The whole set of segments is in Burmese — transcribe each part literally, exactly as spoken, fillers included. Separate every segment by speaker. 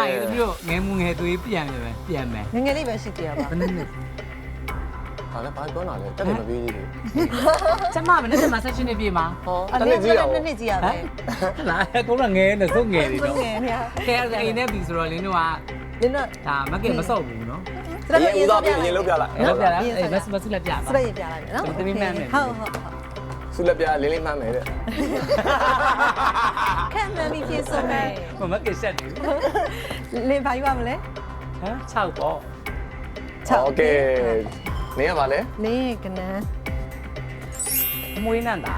Speaker 1: ရေတမျိုးငယ်မှုငယ်သွေးပြန်ပြီပဲပြန်မယ်
Speaker 2: ငငယ်လေးပဲရှိသေးတာပါ
Speaker 1: ဘယ်နည်း
Speaker 3: ဟာလည်းဘာပြောတာလဲတက်တယ်မပေးသေးဘူး
Speaker 1: ကျမမနေ့ကမှဆက်ရှင်နေပြေမှာ
Speaker 3: ဟော
Speaker 2: အဲ့
Speaker 3: တက်
Speaker 2: ဒါ
Speaker 3: တယ်ကြီးရအောင်
Speaker 2: နှစ်နှစ်ကြီးရပဲ
Speaker 1: လာကုန်းကငယ်နေစုံငယ်နေ
Speaker 2: င
Speaker 1: တော့
Speaker 2: ငယ်များ
Speaker 1: ကဲအိမ်နဲ့ပြီဆိုတော့လင်းတို့က
Speaker 2: လင်းတော့
Speaker 1: ဒါမကဲမစော့ဘူးနော်
Speaker 2: စရက်
Speaker 3: ရေ
Speaker 2: ရေ
Speaker 3: ဦး
Speaker 2: စော
Speaker 3: သား
Speaker 2: ပြ
Speaker 3: ပြ
Speaker 2: လို
Speaker 3: ရင်
Speaker 2: က်
Speaker 3: လုံးပြလိုက်
Speaker 1: အဲ့လောက်ပြလားအေးမစမစလက်ပြပါ
Speaker 2: စရက်ရေပြလိုက်မယ်နော်ဟုတ်ဟုတ်
Speaker 3: ဆုလက်ပြလေးလေးမှန်းမယ်တဲ့
Speaker 2: ခက်မှန်ပြီးပြေဆုံးမယ်
Speaker 1: မမကဲဆက်နေ
Speaker 2: လင်းဘာယူရမလဲ
Speaker 1: ဟမ်၆ပေါ့
Speaker 3: โอเคနေရပါလေ
Speaker 2: လင်းကနန်း
Speaker 1: အမွေးနဲ့တာ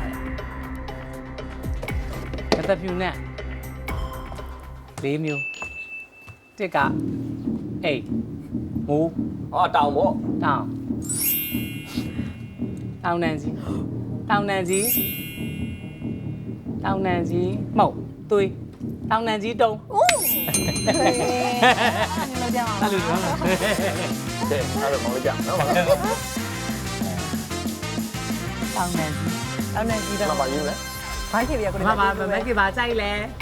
Speaker 1: တယ်မတဖြူနဲ့၄မျိုးတစ်ကအိတ်မူ
Speaker 3: ဟောတောင်ပေါ့
Speaker 1: တောင်းတောင်းနန်ကြီးတောင်းနန်ကြီးတောင်းနန်ကြီးမှုတ်သွေးတောင်းနန်ကြီးတုံး
Speaker 2: အိုးအဲ့လိုကြောင်
Speaker 1: အဲ့လိုနော်
Speaker 3: ကဲအဲ့ဒါမဟုတ်ကြနော်ပါလား
Speaker 1: တောင်းနန်ကြီး
Speaker 2: တောင်းနေကြည့်တော့
Speaker 3: မပါယူလဲ
Speaker 2: ဘာဖြစ်ပြရကို
Speaker 1: မမမမကပါကြိုက်လဲ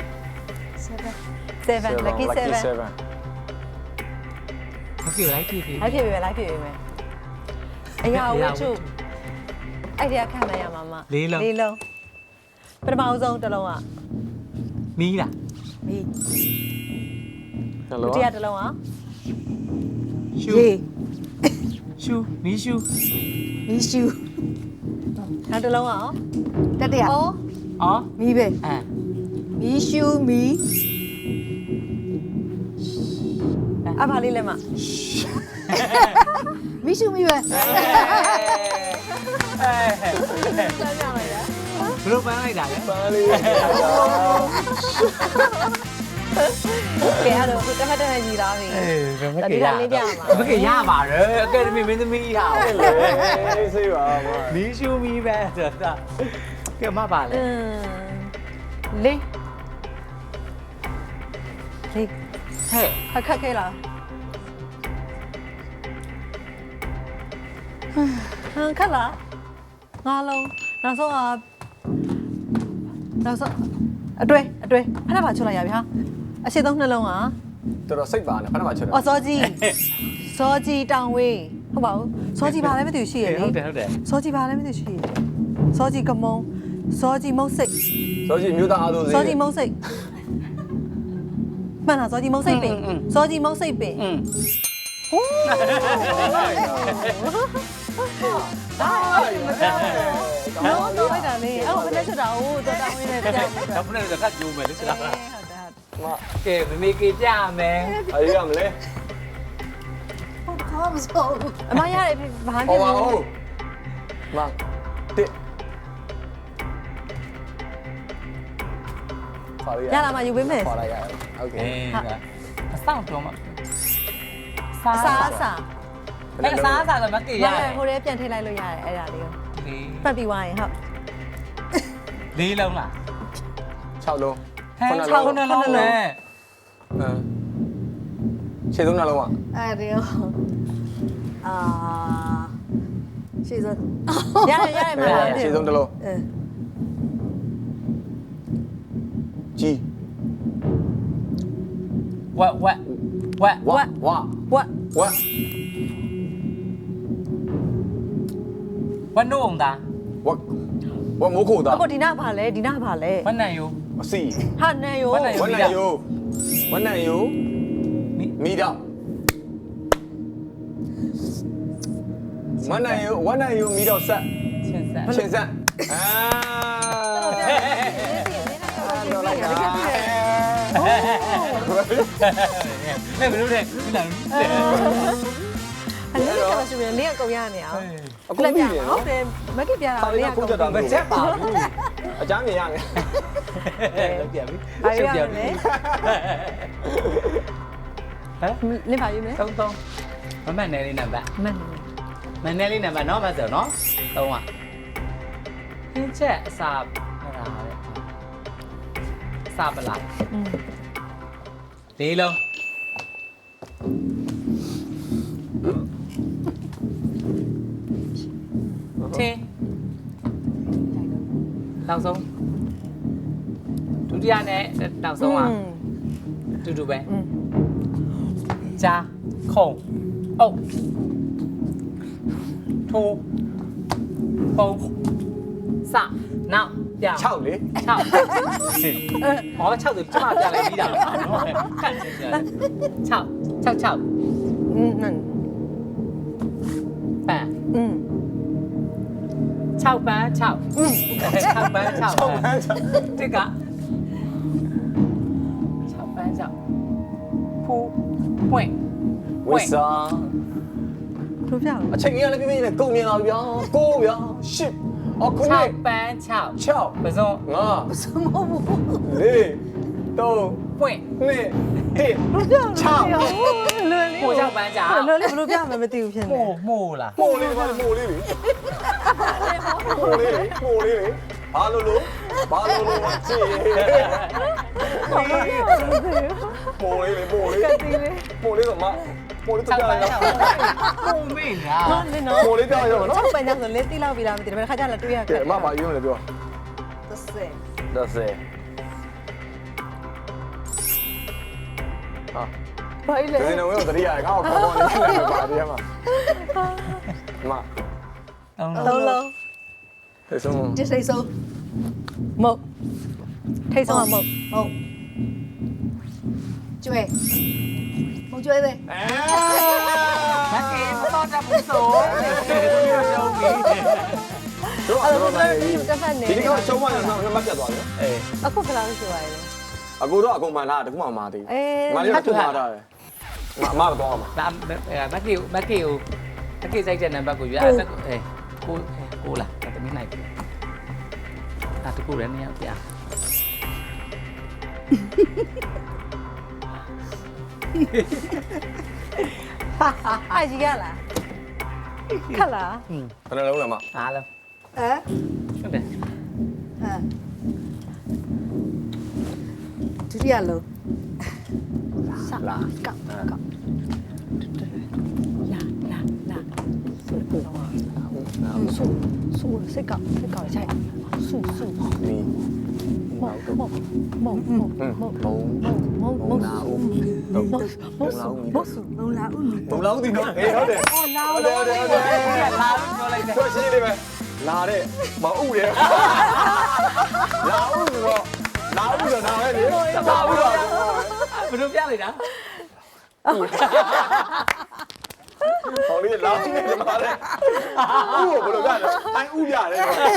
Speaker 2: seven lucky seven
Speaker 1: မကလိုက်ပြီပြီ
Speaker 2: လိုက်ဖြစ်ပြီပဲလိုက်ဖြစ်ပြီပဲအရာဝှချုအဲ့ဒီကခံနိုင်ရမှာမလေးလုံးပထမအဆုံးတစ်လုံးက
Speaker 1: မီးလား
Speaker 2: မီး
Speaker 3: ဟယ်
Speaker 2: ဒု
Speaker 3: လို
Speaker 2: တိယတစ်လုံးက
Speaker 1: ရှူရှူမီးရှူ
Speaker 2: မီးရှူနောက်တစ်လုံးက
Speaker 4: တတရ
Speaker 2: အော်
Speaker 1: အော်
Speaker 4: မီးပဲ
Speaker 1: အဲ
Speaker 4: မီးရှူမီး
Speaker 2: အဖာလေးလည်းမ
Speaker 4: မီးရှူမီးပဲ
Speaker 1: အဲ
Speaker 2: စမ်းကြလိုက်ရ
Speaker 1: ဘလို့ပန်းလိုက်တာလဲ
Speaker 3: ပါလေး
Speaker 2: ကဲအဲ့တော့တစ်ဖက်တစ်ဖက်ညီလာပြီ
Speaker 1: အေးမက
Speaker 2: ဒီ
Speaker 1: ရ
Speaker 2: ကလေးပြမှာ
Speaker 1: မကရပါတယ်အကယ်ဒမီမင်းသမီးဟာ
Speaker 3: လေဆေးပါမ
Speaker 1: မီးရှူမီးပဲဆိုတာကဲမပါလေ
Speaker 2: อืมလေးလေး
Speaker 1: ဟဲ့
Speaker 2: ခက်ခဲလားဟမ်ခက်လားငါလုံးနောက်ဆုံးကနောက်ဆုံးအတွဲအတွဲဖက်ပါချွတ်လိုက်ရပြီဟာအရှိသုံးနှလုံးက
Speaker 3: တော်တော်စိတ်ပါနဲ့ဖက်မှာချွတ်တယ်
Speaker 2: အော်စောကြီးစောကြီးတောင်ဝေးဟုတ်ပါဘူးစောကြီးဘာလဲမသိဘူးရှိရလေ
Speaker 1: ဟုတ်တယ်ဟုတ်တယ်
Speaker 2: စောကြီးဘာလဲမသိဘူးရှိရစောကြီးကမုံစောကြီးမုတ်စိတ်
Speaker 3: စောကြီးမြို့သားအားလုံးစေး
Speaker 2: စောကြီးမုတ်စိတ်မှန်လားစောကြီးမုတ်စိတ်ပင်စောကြီးမုတ်စိတ်ပင်
Speaker 1: อืม
Speaker 2: ဟိုးနော်တော့လိုက်တာလေအဲ့ဘယ်နဲ့ချက်တာဟိုတော့တောင်းရင်းနဲ့ပြန်ပြီး
Speaker 1: တော့ဘယ်နဲ့တော့ကတ်ကြိုးမယ်လေစလား
Speaker 2: ဟုတ်တယ်
Speaker 3: မ
Speaker 1: ကဲမမေကေပြမယ်
Speaker 3: အေးရမလဲ
Speaker 4: ဟုတ်ကောမစိုးဘူး
Speaker 2: အမရတယ်ဘာမှမ
Speaker 3: ဟော
Speaker 2: ဖြစ်
Speaker 3: ပါ
Speaker 2: ဘူး
Speaker 3: ဦးမတစ်ပါရ
Speaker 2: ရလာမှယူပေးမယ်
Speaker 3: ပါလိုက်ရโอเค
Speaker 1: အေးအဆောင်တော့မှာ
Speaker 2: အစားအစာ
Speaker 1: အဲ့စားစားတော့မကေရ
Speaker 2: ရဟိုထဲပြန်ထိလိုက်လို့ရတယ်အဲ့ဒါလေးကို
Speaker 1: လေး
Speaker 2: ပတ်ပြီးသွားရင်ဟုတ်
Speaker 1: လေးလုံးလား
Speaker 3: ၆လုံး
Speaker 1: ဟဲ့၆လုံးလုံးလေ
Speaker 3: အမ်ခြေသုံးနှလုံးอ่ะ
Speaker 4: အဲ့ဒီရောအာရှေ့စ
Speaker 2: ရတယ်ရတယ်မလား
Speaker 3: ခြေသုံးတစ်လုံး
Speaker 4: အဲ
Speaker 3: ကြီး
Speaker 1: ဝက်ဝက်ဝက်
Speaker 3: ဝါဝါ
Speaker 2: ဝက်
Speaker 3: ဝါ
Speaker 1: ဝက်နို့အောင်သား
Speaker 3: ဝါဝါမိုးခိုတာ
Speaker 2: အခုဒီနာဘာလဲဒီနာဘာလဲ
Speaker 1: ဝက်နံယို
Speaker 3: အစီ
Speaker 2: ဟာနန်ယော
Speaker 3: ဝါနံယိုဝါနံယို
Speaker 1: မိ
Speaker 3: မီတော့ဝါနံယိုဝါနံယိုမီတော့ဆက်
Speaker 1: ချင်းဆက်
Speaker 3: ချင်းဆက်အာ
Speaker 2: တော်လိုက်တာတကယ်ပြည့်တယ်
Speaker 1: ဟဲ့ဘယ်လိုလဲဒီလား
Speaker 2: အဲ့ဒါကဆိုရင်လင်းကကုန်ရနေအောင်
Speaker 3: အကုန်ပြီနော်
Speaker 2: ဟုတ်တယ်မက်ကပြတာ
Speaker 3: ပါ
Speaker 2: လ
Speaker 3: လေး
Speaker 2: င်းက
Speaker 3: ကု
Speaker 2: ကုန်
Speaker 3: န်းချက်တာ
Speaker 1: မချက်ပါဘူး
Speaker 3: အကြမ်းမြင်ရမယ်
Speaker 1: လောက်ပြပြီ
Speaker 2: ဘာရရလဲ
Speaker 1: ဟမ်
Speaker 2: လင်းပါယူမယ်
Speaker 1: သုံးသုံးမမနဲ့လေးနံပါတ်
Speaker 2: မှန်
Speaker 1: မနဲ့လေးနံပါတ်နော်မဆိုနော်သုံးอ่ะဟင်းချက်အစာဟလာတဲ့အစာပလာ
Speaker 2: อืม
Speaker 1: လေးလုံးချင်းနောက်ဆုံးဒုတိယနဲ့နောက်ဆုံးอ่ะတူတူပဲ
Speaker 2: อืม
Speaker 1: 加空哦突风萨闹掉
Speaker 3: 6လေ
Speaker 1: 翘哦翘的这么掉来一点看起来翘翘翘
Speaker 2: อืมนั่น
Speaker 1: 板
Speaker 2: อืม
Speaker 1: 翘班翘嗯翘班翘
Speaker 3: 6ပန်းချောက်
Speaker 1: 这个翘班翘扑会
Speaker 3: ဝိစာ
Speaker 2: တို့ပြအောင်
Speaker 3: အချိန်ကြီးလည်းပြပြနဲ့ကုန်မြင်လာပြီဗျာကိုဗျာရှစ်အခု
Speaker 1: 翘
Speaker 3: နေ
Speaker 1: 班翘
Speaker 3: 6
Speaker 1: 不是
Speaker 3: ငါ
Speaker 2: စမဘူး
Speaker 3: ၄၃
Speaker 1: 会
Speaker 3: 2 1
Speaker 2: တို့ပြအောင်လွယ်လေး
Speaker 1: 不翘班翘
Speaker 2: လွယ်လေးဘယ်လိုပြမှမသိဘူးဖြစ်နေ
Speaker 1: 木木啦
Speaker 3: မိုးလေးပါမိုးလေးလေမိုးလေးလေမိုးလေးလေဘာလို့လို့ဘာလို့လို့ကြည့်မိုးလေးလေမိုးလေး
Speaker 2: ကတိလေး
Speaker 3: မိုးလေးတော့မမိုးလေးတော့
Speaker 1: 翘
Speaker 3: ကြား
Speaker 1: 班
Speaker 3: လိုက်
Speaker 1: 翘木妹
Speaker 2: နော်
Speaker 1: 啊
Speaker 2: နင်နော်
Speaker 3: မိုးလေးကြားရအောင်နော်
Speaker 2: 6ပန်းကြောင့်ဆိုလင်းတိလောက်ပြီလားမသိဘူးဒါပေမဲ့ခါကျလည်းတွေ့ရ
Speaker 3: ကဲအမပါရုံးလေပြော
Speaker 2: တစ်စက်
Speaker 3: ဒါစေဟာ
Speaker 2: ဘာလဲ
Speaker 3: ဒီနေ့တော့တရိယာကောက်ခေါ်ခေါ်နေတယ်ပါဒီမှာမ
Speaker 2: သုံးလုံး
Speaker 3: ဒီဆုံး
Speaker 4: 这谁收？
Speaker 2: မုတ်ထိတ်ဆုံးကမုတ်
Speaker 4: 哦，追，冇追呗。
Speaker 1: မကေမတော့တဘူးဆိုရုံးပြီ
Speaker 3: တို့
Speaker 2: အဲ့
Speaker 3: တော့
Speaker 2: ဒါ
Speaker 3: တော့
Speaker 2: လည်း
Speaker 3: နေ
Speaker 2: တစ်ဖက်နေ
Speaker 3: ဒီနေ့ကရှုံးမှလည်းနောက်မှတ်ပြတ်သွားတယ်
Speaker 1: အေး
Speaker 2: အခုဘယ်လောက်ရှိပါလဲ
Speaker 3: အကိုတော့အကုန်မှန်လားတခုမှမသေး
Speaker 2: အေး
Speaker 3: ဘူးမလေးကသူ့မှာတာတယ်မအမတော့အောင်ပါ
Speaker 1: ဒါမကေမကေမကေစိုက်တဲ့နံပါတ်ကိုရွေးအဲ့ဒါအေးကိုကိုလာတမီးနိုင်ပြီအဲ့တကူလည်းနေရောက်ပြ
Speaker 2: အားကြီးရလားခက်လား
Speaker 1: อืม
Speaker 3: ဘယ်နှလုံးလဲမ
Speaker 1: အားလုံး
Speaker 4: 哎，
Speaker 1: ဟုတ်တယ်
Speaker 4: 嗯，ဒုတိယလုံး
Speaker 3: လာ
Speaker 2: ကောက်ကောက်လာလာလာဆုပူတော့ဆုဆုစိတ်ကောက်စိတ်ကောက်ချိုက်ဆုဆု
Speaker 3: နီ
Speaker 2: မောက်မောက်မောက်မောက်
Speaker 3: ဟွန်း
Speaker 2: မောက်
Speaker 3: ဘုံ
Speaker 2: မောက်
Speaker 3: ဘုံ
Speaker 2: မောက်
Speaker 3: လာဦးဘုံ
Speaker 2: မောက်
Speaker 3: ဘုံလာဦးမီ
Speaker 2: မောက်
Speaker 4: လုံးလာဦးမီ
Speaker 3: ဘုံလာဦးဒီတော့အေးဟုတ်တယ်ဟုတ်လားဟုတ်တယ်ဟုတ်တယ်ဟုတ်တယ်
Speaker 1: လာလို့ပြောလိုက်တယ်
Speaker 3: ဆိုရှင်းလေးပဲလာတဲ့မအုပ်တယ်လာဦးဆိုတော့လာဦးဆိုတော့နားပဲလေလာဦးတော့
Speaker 1: ဘယ်လိုပြလိုက်တာ
Speaker 3: ဟောလေးလာဦးနေတယ်မှာလေဦးကိုဘယ်လိုကြလဲအိုင်းဦးရတယ်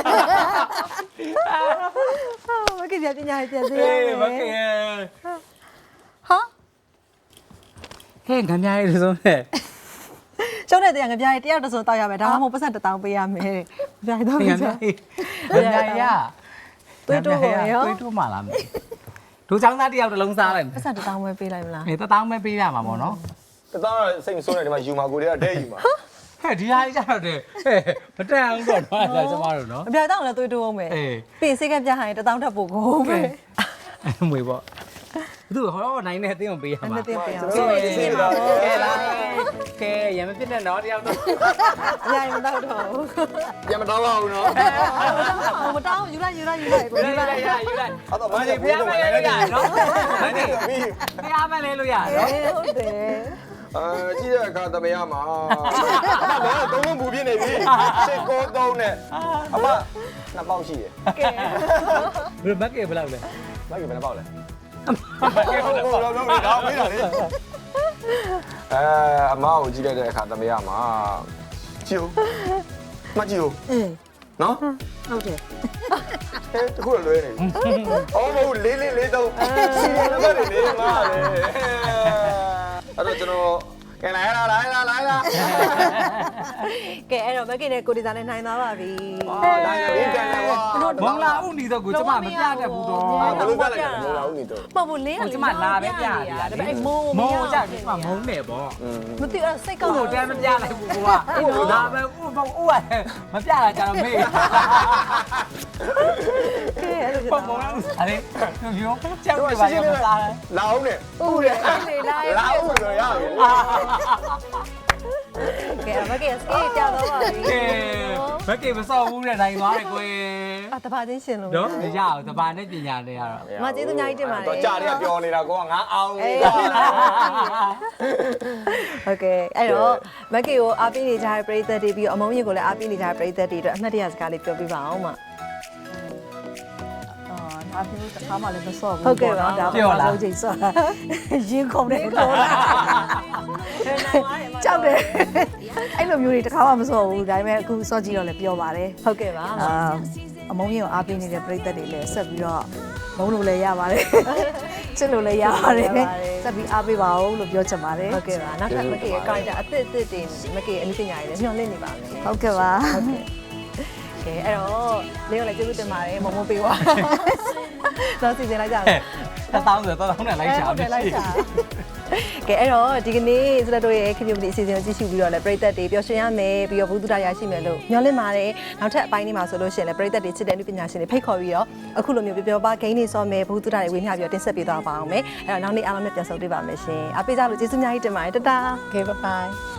Speaker 2: မကိပြပညာပြန်စေရ
Speaker 1: အေးမကေ
Speaker 2: ဟာ
Speaker 1: ဟဲ့ငါများရေးဆုံးနဲ့
Speaker 2: ကျုံးတဲ့တရားငပြားတယောက်တစုံတောက်ရမယ်ဒါမှမဟုတ်ပတ်စံတစ်တောင်းပေးရမယ်ငပြားတော့
Speaker 1: ငါ
Speaker 2: င
Speaker 1: များ
Speaker 2: ပြား
Speaker 1: ရေးငါများရ
Speaker 2: သွေးတိုးပေါ်ရော
Speaker 1: သွေးတိုးမှလာမယ်ဒူချောင်းသားတယောက်တစ်လုံးစားလိုက်မယ်
Speaker 2: ပတ်စံတစ်တောင်းပဲပေးလိုက်မလား
Speaker 1: အေးတတောင်းပဲပေးရမှာပေါ့နော်
Speaker 3: တသားစိတ်မဆိုးနေတယ်မှာယူမာကိုတွေကဒဲယူမာ
Speaker 1: ဟဲ့ဒီဟာကြီးကြတော့တယ်ဟဲ့မတန်အောင်တော့တော့ဒါကျမတို့နော်
Speaker 2: ငပြားတောင်းလည်းသွေးတိုးအောင်မယ်
Speaker 1: အေး
Speaker 2: ပြင်စိတ်ကပြားဟိုင်းတစ်တောင်းထပ်ဖို့ကိုပဲ
Speaker 1: မွေပေါ့သူဟောနိုင်နေတဲ့အသိအောင်ပေးရမှာ
Speaker 2: နှစ်သိပေးအောင်
Speaker 3: ဆိုရင်စီးတာ
Speaker 1: ကဲလာကဲရမဖြစ်နဲ့နော်တယောက်တော့
Speaker 2: အများကြီးမတောက်တော့ဘူး
Speaker 3: ပြန်မတော့ပါဘူးနော်
Speaker 2: မတောင်းယူလိုက်ယူလိုက်ယူလိုက်ကို
Speaker 1: ယူ
Speaker 2: ယူ
Speaker 1: လို
Speaker 2: လိုက်
Speaker 1: က်ရယူလိုက်
Speaker 3: အဲ့တော့မ
Speaker 1: ဘာ
Speaker 3: နေ့
Speaker 1: လဲဖျားမလဲလို့ရနော်
Speaker 3: မနေ့ပြီး
Speaker 1: ဖျားမလဲလို့ရနော်
Speaker 2: ဟုတ်တယ်
Speaker 3: အာကြည့်တဲ့အခါတမရမှာအမကတော့သုံးလုံးပူပြင်းနေပြီရှစ်ကိုသုံးနဲ့အမနှစ်ပေါက်ရှိတယ်
Speaker 2: ကဲ
Speaker 1: ဘယ်မကေဘယ်လောက်လဲ
Speaker 3: မိုက်ကဘယ်နှပေါက်လဲ
Speaker 1: မကေဘယ်လောက်
Speaker 3: ဟုတ်တော့တော့တော့မေးတာလေအဲအမကိုကြည့်လိုက်တဲ့အခါတမရမှာကြည့်ဦးမကြည့်ဦး
Speaker 4: အင်း
Speaker 3: နော်
Speaker 4: ဟုတ်တယ်
Speaker 3: ဟဲ့တခုလွဲနေအော်မဟုတ်လေးလေးလေးတော့စီနံပါတ်တွေလေးမှာလေအဲ့တော့ကျွန်တော်ကဲလာလာလာလာလာလာ
Speaker 2: ကဲအဲ့တော့မကိနဲ့ကိုဒီဇာနဲ့နိုင်သွားပါပြီ
Speaker 3: အာဒါရင်းကန်လာကွာ
Speaker 1: မင်္ဂလာဥနီတော့ကိုကျမမပြတတ်ဘူးတော့
Speaker 3: အာဘယ်လိုပြလိုက်လဲမလာဘူးနေတော့
Speaker 2: မဟုတ်ဘူးလင်းက
Speaker 1: ကိုကျမလာပဲပြရတာ
Speaker 2: ဒါပေမဲ့မိုး
Speaker 1: မုံကြကျမမုံနေပေါ့
Speaker 2: မသိအဲ့စိတ်ကော
Speaker 1: ကို
Speaker 2: က်
Speaker 1: ကိုတန်းမပြလိုက်ဘူးကွာဒါပဲဥပဥမပြတာကြတော့မေး
Speaker 2: ကဲအဲ့လိုဖြစ်
Speaker 1: ပုံ
Speaker 2: တာ
Speaker 1: ပုံအဲ့ဒီပြောကြောက်နေပါရောမစား
Speaker 3: လာအောင်နဲ့
Speaker 2: ဦးတယ်လေလာ
Speaker 3: လာအောင်ဆိုရပြီ
Speaker 2: ကဲမကိစကေးကြောက်တော့ပါပြီ
Speaker 1: ကဲမကေမစော့ဘူးတဲ့နိုင်သွားတယ်ကို
Speaker 2: အာတပါချင်းရှင်လို့
Speaker 1: နော်မရအောင်တဘာနဲ့ပညာနဲ့ရတော့
Speaker 2: မကျေးဇူးအများကြီးတင်ပါတယ်
Speaker 3: တော့ကြာတွေကပြောနေတာကိုကငါအောင်
Speaker 2: အေး
Speaker 3: နေတာ
Speaker 2: ဟုတ်ကဲ့အဲ့တော့မက်ကီကိုအားပေးနေကြတဲ့ပရိသတ်တွေပြီးတော့အမုံကြီးကိုလည်းအားပေးနေကြတဲ့ပရိသတ်တွေအတွက်အမှတ်တရစကားလေးပြောပြပါအောင်မ
Speaker 4: အာဒါမျိုးတစ်ခါမှလည်းမစော့ဘူး
Speaker 2: ဟုတ်ကဲ့ပါဒါ
Speaker 1: ပြောလား
Speaker 4: ဆုံးချိန်စော့ရင်ခုန်တယ်ခေါ်လာကြောက်တယ်အဲ့လိုမျိုးတွေတစ်ခါမှမစော့ဘူးဒါပေမဲ့အခုစော့ကြည့်တော့လည်းပြောပါတယ်
Speaker 2: ဟုတ်ကဲ့ပါ
Speaker 4: အာအမုံကြီးကိုအားပေးနေတဲ့ပရိသတ်တွေလည်းဆက်ပြီးတော့မုံလို့လည်းရပါတယ်ချစ်လို့လည်းရပါတယ်ဆက်ပြီးအားပေးပါဦးလို့ပြောချင်ပါတယ်
Speaker 2: ဟုတ်ကဲ့ပါနောက်ထပ်မက်ကီရဲ့ character အသစ်အသစ်တွေမက်ကီရဲ့အမှုပညာတွေလည်းညှော်လင့်နေပါမယ်
Speaker 4: ဟုတ်ကဲ့ပါ
Speaker 2: ကဲအဲ့တော့လေးကိုလည်းကျေးဇူးတင်ပါတယ်မမပေးပါတော့စီစဉ်လိုက်ကြမယ်
Speaker 1: တစ်သောင်းဆိုတော့တောင်းနဲ့လိုက်ရှာ
Speaker 2: ဟုတ်တယ်လိုက်ရှာကဲအဲ့တော့ဒီကနေ့စလက်တို့ရဲ့ခင်ဗျာဒီအစီအစဉ်ကိုကြည့်ရှုပြီးတော့လည်းပရိသတ်တွေပျော်ရွှင်ရမယ်ပြီးတော့ဘုသူတရရှိမယ်လို့ညွှန်လင့်ပါတယ်နောက်ထပ်အပိုင်းလေးမှာဆိုလို့ရှိရင်လည်းပရိသတ်တွေချစ်တဲ့လူပညာရှင်တွေဖိတ်ခေါ်ပြီးတော့အခုလိုမျိုးပြောပြောပါဂိမ်းတွေစောမယ်ဘုသူတရတွေဝေမျှပြီးတော့တင်ဆက်ပေးသွားပါအောင်မယ်အဲ့တော့နောက်နေ့အားလုံးနဲ့ပြန်ဆုံတွေ့ပါမယ်ရှင်အားပေးကြလို့ကျေးဇူးအများကြီးတင်ပါတယ်တတား
Speaker 4: Okay bye bye